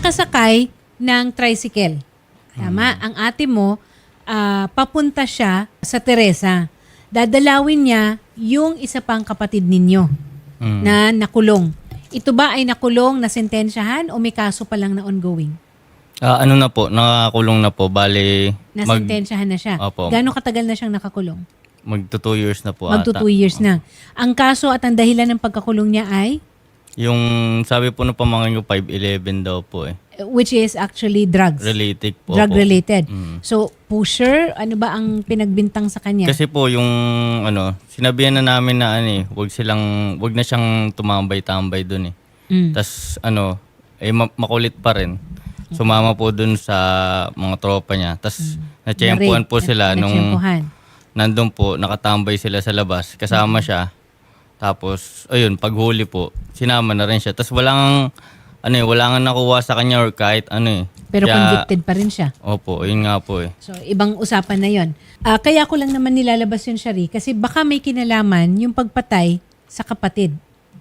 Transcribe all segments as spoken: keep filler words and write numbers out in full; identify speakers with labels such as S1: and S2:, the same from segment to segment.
S1: nakasakay ng tricycle. Tama?
S2: Hmm.
S1: Ang ate mo, ah, papunta siya sa Teresa. Dadalawin niya yung isa pang kapatid ninyo
S2: Hmm.
S1: na nakulong. Ito ba ay nakulong, nasentensyahan o may kaso pa lang na ongoing?
S2: Ah, ano na po, nakakulong na po. Bali, mag,
S1: Nasentensyahan na siya.
S2: Opo.
S1: Gaano katagal na siyang nakakulong?
S2: magto two years na po
S1: Magto
S2: ata.
S1: two years na. Ang kaso at ang dahilan ng pagkakulong niya ay?
S2: Yung sabi po ng pamangkin ko, five eleven daw po eh.
S1: Which is actually drugs.
S2: Related po.
S1: Drug
S2: po.
S1: related.
S2: Mm.
S1: So, pusher, ano ba ang pinagbintang sa kanya?
S2: Kasi po yung ano, sinabihan na namin na ano eh, wag silang, wag na siyang tumambay-tambay doon eh.
S1: Mm.
S2: Tas ano, eh ma- makulit pa rin. Sumama po dun sa mga tropa niya. Tas natsyempuhan po sila nung
S1: Natsyempuhan.
S2: nandun po, nakatambay sila sa labas. Kasama siya. Tapos, ayun, paghuli po, sinama na rin siya. Tas walang, ano eh, wala nga nakuha sa kanya or kahit ano eh.
S1: Pero
S2: Kaya-
S1: convicted pa rin siya.
S2: Opo, yun nga po eh.
S1: So, ibang usapan na yon. Ah, kaya ko lang naman nilalabas yun, Shari, kasi baka may kinalaman yung pagpatay sa kapatid.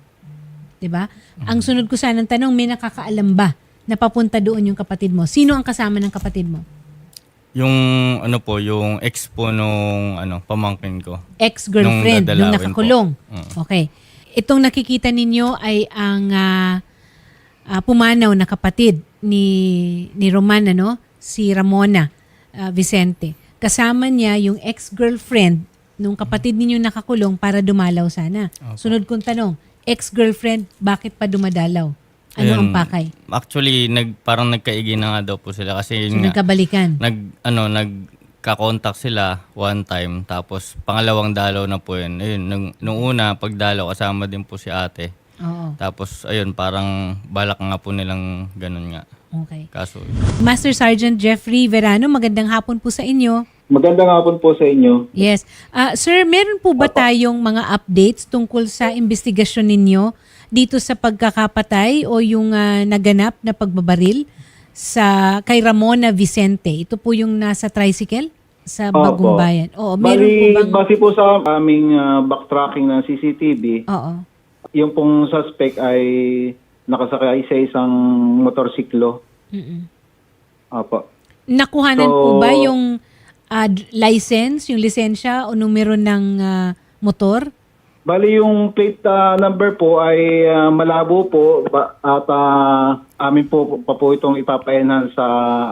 S1: 'Di ba? Ang sunod ko sanang tanong, may nakakaalam ba na papunta doon yung kapatid mo? Sino ang kasama ng kapatid mo?
S2: Yung ano po, yung ex po nung ano, pamangkin ko.
S1: Ex-girlfriend,
S2: Nung
S1: nung
S2: dadalawin
S1: nakakulong.
S2: po. Mm.
S1: Okay. Itong nakikita ninyo ay ang ah, ah, pumanaw na kapatid ni ni Roman, ano? Si Ramona ah, Vicente. Kasama niya yung ex-girlfriend nung kapatid ninyo nakakulong para dumalaw sana. Sunod kong tanong, ex-girlfriend, bakit pa dumadalaw? Ano ang
S2: Ayun,
S1: pakay?
S2: Actually, nag, parang nagkaigi na nga daw po sila kasi
S1: So,
S2: yun nga,
S1: nagkabalikan.
S2: nag, ano, nagka-contact sila one time tapos pangalawang dalaw na po yun. Ayun, nung, nung una, pagdalaw, kasama din po si ate.
S1: Oo.
S2: Tapos, ayun, parang balak nga po nilang ganun nga.
S1: Okay.
S2: Kaso,
S1: Master Sergeant Jeffrey Verano, magandang hapon po sa inyo.
S3: Magandang hapon po sa inyo.
S1: Yes. Ah, sir, meron po ba tayong mga updates tungkol sa investigasyon ninyo dito sa pagkakapatay o yung ah, naganap na pagbabaril sa kay Ramona Vicente? Ito po yung nasa tricycle sa
S3: Opo.
S1: Bagong Bayan. Oo, meron po
S3: Bali,
S1: bang...
S3: base po sa aming ah, backtracking ng C C T V,
S1: Oo.
S3: yung pong suspect ay nakasakay sa isang motorsiklo.
S1: Mm-mm.
S3: Opo.
S1: Nakuhanan
S3: So-
S1: po ba yung ah, d- license, yung lisensya o numero ng ah, motor?
S3: Bali, yung plate ah, number po ay ah, malabo po ba- at ah, amin po pa po itong ipapa-enhance sa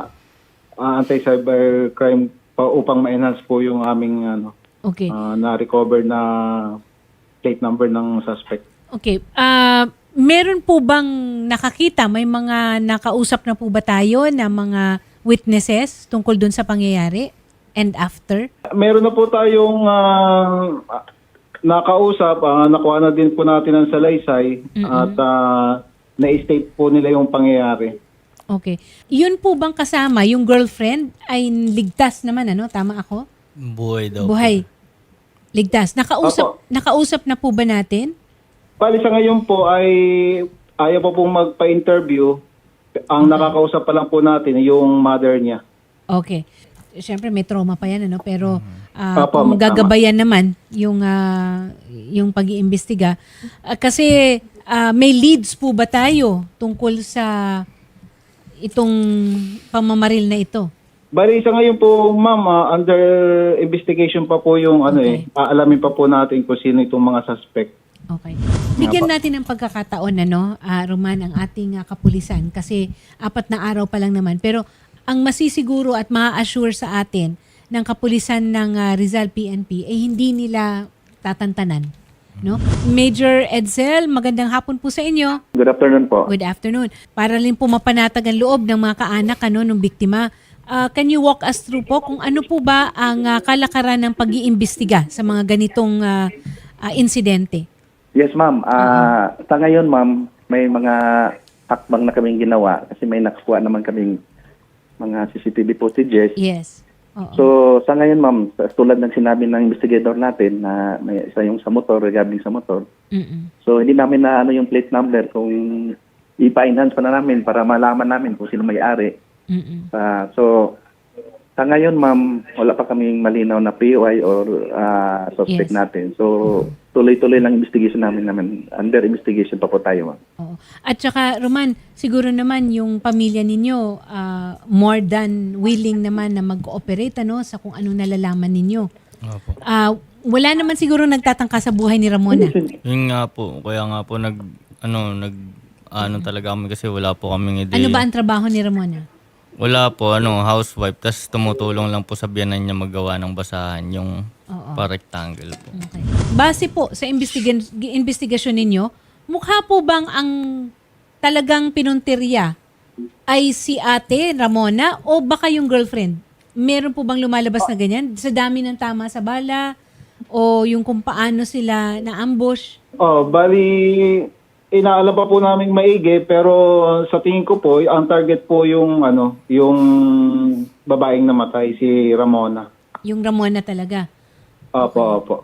S3: ah, anti-cybercrime pa upang ma-enhance po yung aming ano,
S1: Okay.
S3: ah, na-recover na plate number ng suspect.
S1: Okay. Ah, meron po bang nakakita? May mga nakausap na po ba tayo na mga witnesses tungkol dun sa pangyayari and after?
S3: Meron na po tayong ah, nakausap, ah, nakuha na din po natin ang salaysay at ah, na-state po nila yung pangyayari.
S1: Okay. Yun po bang kasama, yung girlfriend ay ligtas naman, ano? Tama ako?
S2: buhay daw
S1: Buhay. Ligtas. Nakausap,
S3: Opo.
S1: nakausap na po ba natin?
S3: Bali sa ngayon po ay ayaw pa pong magpa-interview. Ang nakakausap pa lang po natin yung mother niya.
S1: Okay. Siyempre may trauma pa yan, ano? Pero ah,
S3: Opo,
S1: kung
S3: tama.
S1: gagabayan naman yung ah, yung pag-iimbestiga, ah, kasi ah, may leads po ba tayo tungkol sa itong pamamaril na ito?
S3: Bali sa ngayon po, ma'am, ah, under investigation pa po yung ano
S1: Okay.
S3: eh. Aalamin pa po natin kung sino itong mga suspect.
S1: Okay. Bigyan natin ng pagkakataon, ano, ah, Roman, ang ating ah, kapulisan kasi apat na araw pa lang naman. Pero ang masisiguro at ma-assure sa atin ng kapulisan ng ah, Rizal P N P ay hindi nila tatantanan. No? Major Edsel, magandang hapon po sa inyo.
S4: Good afternoon po.
S1: Good afternoon. Para rin po mapanatag ang loob ng mga kaanak ano, ng biktima, ah, can you walk us through po kung ano po ba ang ah, kalakaran ng pag-iimbestiga sa mga ganitong ah, ah, insidente?
S4: Yes, ma'am. Ah, sa ngayon, ma'am, may mga hakbang na kaming ginawa kasi may nakuha naman kaming mga C C T V footages.
S1: Yes. Oo.
S4: So, sa ngayon, ma'am, sa- tulad ng sinabi ng investigator natin na may isa yung sa motor, regarding sa motor.
S1: Mm-mm.
S4: So, hindi namin na ano yung plate number kung ipa-enhance pa na namin para malaman namin kung sino may-ari.
S1: Mm-mm.
S4: Ah, so, Sa ngayon, ma'am, wala pa kaming malinaw na P O I or ah, suspect
S1: Yes.
S4: natin. So, tuloy-tuloy lang investigation namin namin. Under investigation pa po tayo, ma'am.
S1: Oo. At saka, Roman, siguro naman yung pamilya ninyo ah, more than willing naman na mag-cooperate ano, sa kung anong nalalaman ninyo.
S2: Opo.
S1: Ah, wala naman siguro nagtatangka sa buhay ni Ramona.
S2: Yun nga po, kaya nga po nag, ano, nag, ano talaga kami kasi wala po kaming ideya.
S1: Ano ba ang trabaho ni Ramona?
S2: Wala po, ano, housewife, tas tumutulong lang po sa biyanan niya maggawa ng basahan, yung
S1: Oo.
S2: pa-rectangle po.
S1: Okay. Base po sa investiga- investigasyon ninyo, mukha po bang ang talagang pinuntirya ay si ate Ramona o baka yung girlfriend? Meron po bang lumalabas na ganyan? Sa dami ng tama sa bala o yung kung paano sila na-ambush?
S3: Oh, bali inaalam pa po naming maigi pero sa tingin ko po ang target po yung ano, yung babaeng namatay si Ramona.
S1: Yung Ramona talaga.
S3: Opo, opo.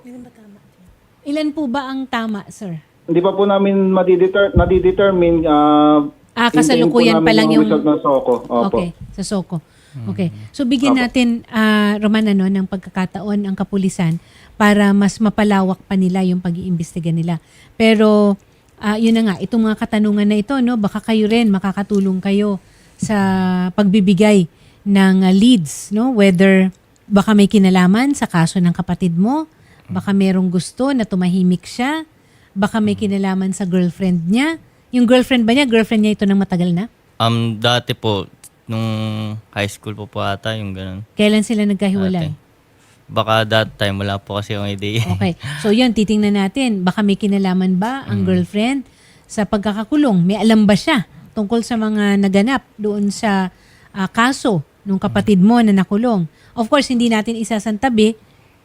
S1: Ilan po ba ang tama, sir?
S3: Hindi pa po namin madideter nadidetermine ah
S1: Ah,
S3: hintayin po
S1: kasalukuyan pa
S3: namin
S1: lang yung...
S3: result ng Soko. Opo.
S1: Okay, sa Soko. Okay. So bigyan natin, ah, Roman, ano, ng pagkakataon ang kapulisan para mas mapalawak pa nila yung pag-iimbestiga nila. Pero ah, yun na nga, itong mga katanungan na ito, no, baka kayo rin makakatulong kayo sa pagbibigay ng ah, leads, no, whether baka may kinalaman sa kaso ng kapatid mo, baka merong gusto na tumahimik siya, baka may kinalaman sa girlfriend niya. Yung girlfriend ba niya, girlfriend niya ito ng matagal na?
S2: Um, dati po, nung high school po po ata, yung ganun.
S1: Kailan sila nagkahiwalay?
S2: Dati. Baka that time, wala po kasi akong idea.
S1: Okay. So yun, titingnan natin. Baka may kinalaman ba ang girlfriend sa pagkakakulong? May alam ba siya tungkol sa mga naganap doon sa ah, kaso nung kapatid mo na nakulong? Of course, hindi natin isasantabi.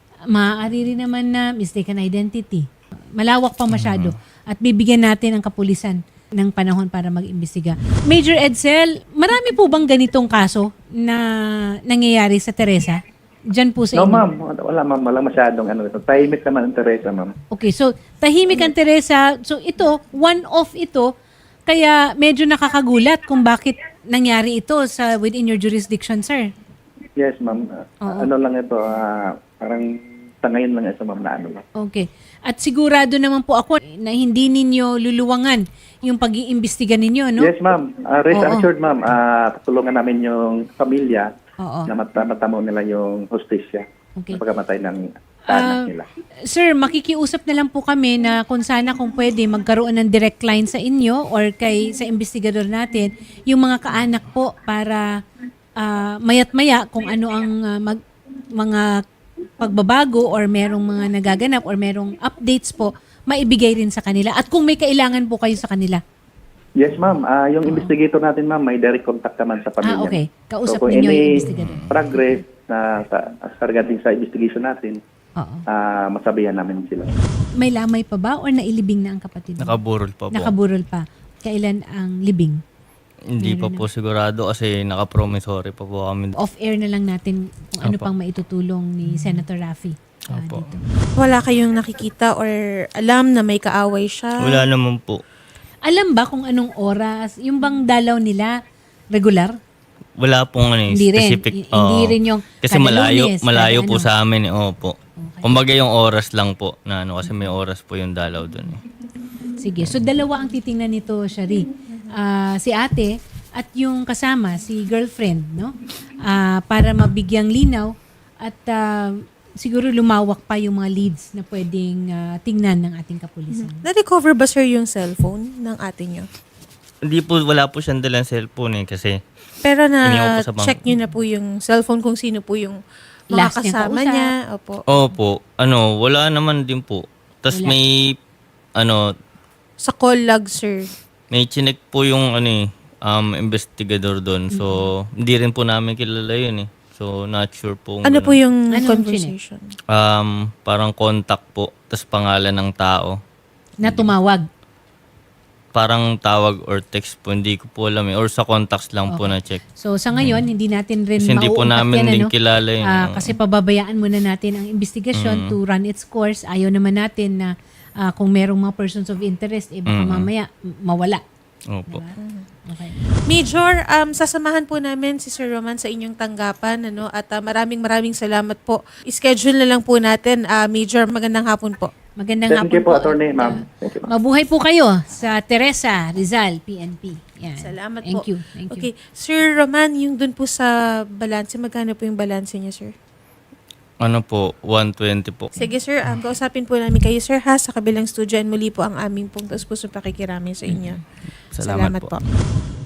S1: Maaari rin naman na mistaken identity. Malawak pa masyado. At bibigyan natin ang kapulisan ng panahon para mag-imbestiga. Major Edsel, marami po bang ganitong kaso na nangyayari sa Teresa? Diyan po sa
S4: No,
S1: inyo?
S4: ma'am. Wala, ma'am. Wala masyadong ano. Tahimik naman ang Teresa, ma'am.
S1: Okay, so tahimik ang Teresa. So ito, one-off ito, kaya medyo nakakagulat kung bakit nangyari ito sa within your jurisdiction, sir.
S4: Yes, ma'am.
S1: Oo.
S4: Ano lang ito, ah, parang tangayin lang ito, ma'am, na ano, ma'am.
S1: Okay. At sigurado naman po ako na hindi ninyo luluwangan yung pag-iimbestiga ninyo, no?
S4: Yes, ma'am. Uh, rest
S1: Oo.
S4: assured, ma'am. Uh, tutulungan namin yung pamilya
S1: Oo.
S4: na mat- matamo nila yung hostisya
S1: Okay.
S4: sa pagkamatay ng
S1: Ah,
S4: anak nila.
S1: Sir, makikiusap na lang po kami na kung sana kung pwede magkaroon ng direct line sa inyo or kay sa investigador natin yung mga kaanak po para ah, mayat maya kung ano ang ah, mag, mga pagbabago or merong mga nagaganap or merong updates po, maibigay rin sa kanila. At kung may kailangan po kayo sa kanila.
S4: Yes, ma'am. Ah, yung investigator natin, ma'am, may direct contact naman sa pamilya.
S1: Ah, okay. Kausap
S4: kung
S1: ninyo yung
S4: any
S1: investigador.
S4: progress na sa, sa regarding sa investigation natin,
S1: Oo.
S4: ah, masabihan namin sila.
S1: May lamay pa ba or nailibing na ang kapatid mo?
S2: Nakaburol pa po.
S1: Nakaburol pa. Kailan ang libing?
S2: Hindi pa po sigurado kasi naka-promissory pa po kami.
S1: Off-air na lang natin kung ano
S2: Opo.
S1: pang maitutulong ni Senator Raffy ah,
S2: Opo.
S1: dito.
S5: Wala kayong nakikita or alam na may kaaway siya?
S2: Wala naman po.
S1: Alam ba kung anong oras? Yung bang dalaw nila regular?
S2: Wala pong ano, eh,
S1: Hindi rin.
S2: specific.
S1: I- hindi
S2: oo.
S1: rin yung
S2: Kasi
S1: kada
S2: malayo,
S1: Lunes,
S2: malayo
S1: kada
S2: po
S1: ano.
S2: sa amin. Eh. Opo. Kumbaga yung oras lang po na ano kasi may oras po yung dalaw doon. Eh.
S1: Sige. So dalawa ang titingnan nito, Shari. Ah, si ate at yung kasama, si girlfriend, no? Ah, para mabigyang linaw at ah, siguro lumawak pa yung mga leads na pwedeng ah, tingnan ng ating kapulisan.
S5: Na-recover ba, sir, yung cellphone ng ate niyo?
S2: Hindi po, wala po siyang dalang cellphone eh kasi
S5: Pero
S2: Iniwan po sa bangko.
S5: na-check niyo na po yung cellphone kung sino po yung mga
S1: Last niyang
S5: kasama
S1: kausap.
S5: niya. Opo.
S2: opo, ano, wala naman din po. Tapos
S1: Wala.
S2: may, ano,
S5: Sa call log, sir.
S2: may chinek po yung ano eh, um, investigador doon. So, hindi rin po namin kilala yun eh. So, not sure po. kung
S5: Ano po
S2: ganun.
S5: yung
S1: Anong
S5: conversation?
S2: Um, parang contact po, tapos pangalan ng tao.
S1: Na tumawag.
S2: Parang tawag or text po, hindi ko po alam eh. Or sa contacts lang po na check.
S1: So sa ngayon, hindi natin rin
S2: Kasi hindi po
S1: mauungkat
S2: namin
S1: yan,
S2: din
S1: ano?
S2: kilala yun.
S1: Ah,
S2: Oo.
S1: kasi pababayaan muna natin ang investigasyon to run its course. Ayaw naman natin na ah, kung merong mga persons of interest, eh baka mamaya m- mawala.
S2: Opo.
S1: Okay.
S5: Major, um, sasamahan po namin si Sir Roman sa inyong tanggapan, ano, at ah, maraming maraming salamat po. I-schedule na lang po natin. Ah, Major, magandang hapon po.
S1: Magandang
S4: Thank
S1: hapon
S4: you po, attorney, ma'am. Thank you, ma'am.
S1: Mabuhay po kayo sa Teresa Rizal, P N P. Yan.
S5: Salamat
S1: Thank
S5: po.
S1: you. Thank you.
S5: Okay. Sir Roman, yung dun po sa balanse, magkano po yung balanse niya, sir?
S2: Ano po, one twenty po.
S5: Sige, sir. Um, kausapin po namin kayo, sir, ha, sa kabilang studio. And muli po ang aming pong taus pusong pakikiramin sa inyo.
S2: Salamat po.
S5: po.